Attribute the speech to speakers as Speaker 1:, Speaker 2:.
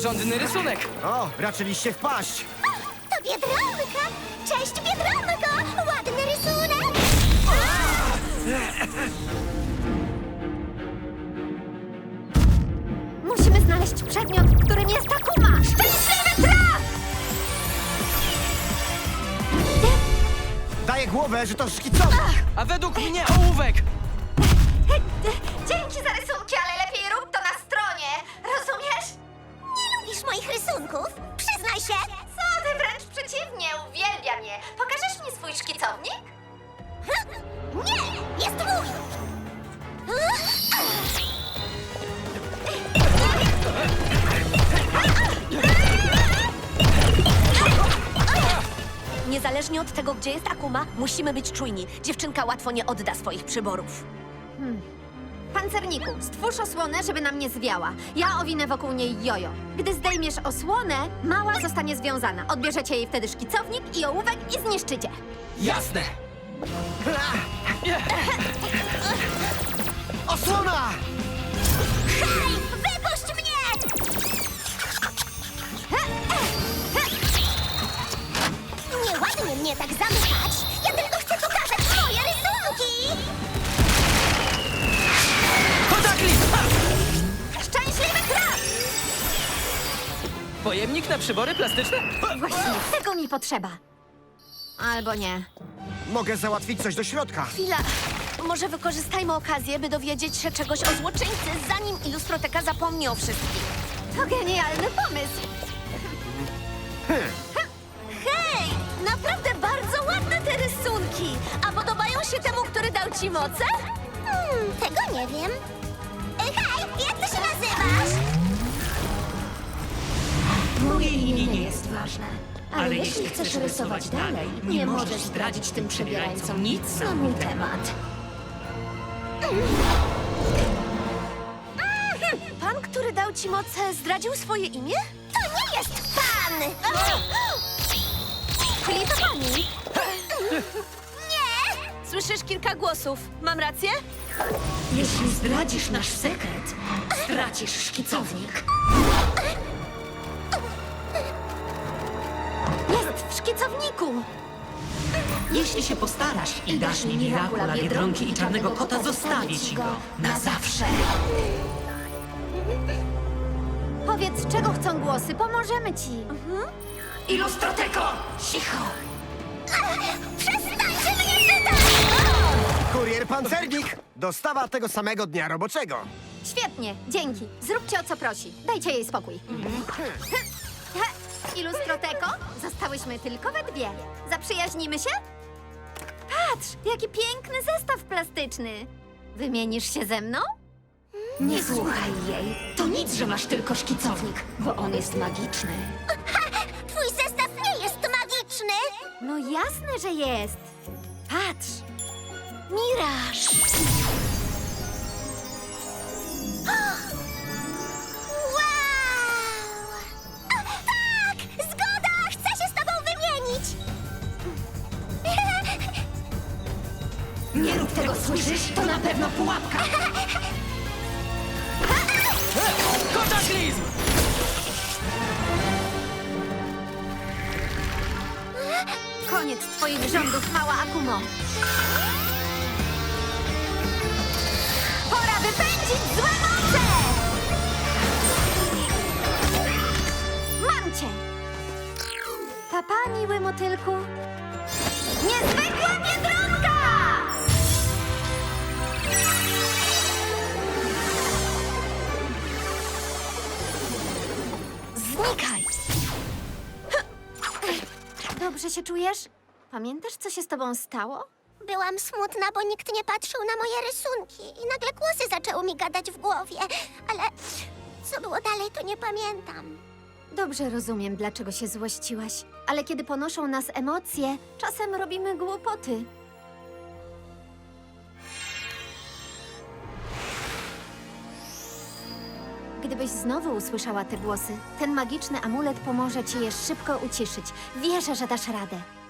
Speaker 1: porządny rysunek.
Speaker 2: O, raczyliście wpaść.
Speaker 3: To Biedronka! Cześć, Biedronko! Ładny rysunek!
Speaker 4: Musimy znaleźć przedmiot, którym jest Takuma! Szczęśliwy traf!
Speaker 2: Daję głowę, że to szkicowy.
Speaker 1: A według mnie ołówek.
Speaker 4: Dzięki za rysunki, ale lepiej rób to na stronie. Rozumiesz?
Speaker 3: Nie lubisz moich rysunków? Przyznaj się!
Speaker 4: Co ty, wręcz przeciwnie, uwielbiam je. Pokażesz mi swój szkicownik?
Speaker 3: Nie! Jest mój!
Speaker 4: Niezależnie od tego, gdzie jest Akuma, musimy być czujni. Dziewczynka łatwo nie odda swoich przyborów. Pancerniku, stwórz osłonę, żeby nam nie zwiała. Ja owinę wokół niej jojo. Gdy zdejmiesz osłonę, mała zostanie związana. Odbierzecie jej wtedy szkicownik i ołówek i zniszczycie.
Speaker 1: Jasne.
Speaker 2: Osłona!
Speaker 3: Hej! Wypuść mnie! Nieładnie mnie tak zamykać! Ja tylko chcę pokazać moje rysunki!
Speaker 1: Kataklizm! Ha!
Speaker 4: Szczęśliwy traf!
Speaker 1: Pojemnik na przybory plastyczne?
Speaker 4: Właśnie, tego mi potrzeba. Albo nie.
Speaker 2: Mogę załatwić coś do środka.
Speaker 4: Chwila. Może wykorzystajmy okazję, by dowiedzieć się czegoś o złoczyńcy, zanim Ilustroteka zapomni o wszystkim. To genialny pomysł. Hej! Naprawdę bardzo ładne te rysunki. A podobają się temu, który dał ci moce?
Speaker 3: Tego nie wiem. Hej! Jak ty się nazywasz?
Speaker 5: Moje imię nie jest ważne. Ale jeśli chcesz rysować dalej, nie możesz zdradzić tym przebierańcom nic na mój temat.
Speaker 4: Pan, który dał ci moce, zdradził swoje imię?
Speaker 3: To nie jest pan!
Speaker 4: Czyli to pani?
Speaker 3: Nie!
Speaker 4: Słyszysz kilka głosów. Mam rację?
Speaker 5: Jeśli zdradzisz nasz sekret, stracisz szkicownik.
Speaker 4: Jest w szkicowniku.
Speaker 5: Jeśli się postarasz i dasz mi Mirakula, Biedronki i Czarnego Kota, zostawię ci go na zawsze.
Speaker 4: Powiedz, czego chcą głosy, pomożemy ci.
Speaker 5: Ilustroteko! Cicho!
Speaker 3: Przestańcie mnie pytać!
Speaker 2: Kurier pancernik. Dostawa tego samego dnia roboczego.
Speaker 4: Świetnie, dzięki. Zróbcie o co prosi. Dajcie jej spokój. Ilustroteko, zostałyśmy tylko we dwie. Zaprzyjaźnimy się? Patrz, jaki piękny zestaw plastyczny. Wymienisz się ze mną?
Speaker 5: Nie słuchaj jej. To nic, że masz tylko szkicownik, bo on jest magiczny.
Speaker 3: Twój zestaw nie jest magiczny!
Speaker 4: No jasne, że jest. Patrz. Miraż.
Speaker 3: Wow! Tak! Zgoda! Chcę się z tobą wymienić!
Speaker 5: Nie rób tego, słyszysz? To na pewno pułapka.
Speaker 1: Kataklizm!
Speaker 4: Koniec twoich rządów, mała Akumo. Pora wypędzić złe moce! Mam cię! Papa, miły motylku. Niezwykła Biedronka! Znikaj! Dobrze się czujesz? Pamiętasz, co się z tobą stało?
Speaker 3: Byłam smutna, bo nikt nie patrzył na moje rysunki i nagle głosy zaczęły mi gadać w głowie, ale co było dalej, to nie pamiętam.
Speaker 4: Dobrze rozumiem, dlaczego się złościłaś. Ale kiedy ponoszą nas emocje, czasem robimy głupoty. Gdybyś znowu usłyszała te głosy, ten magiczny amulet pomoże ci je szybko uciszyć. Wierzę, że dasz radę.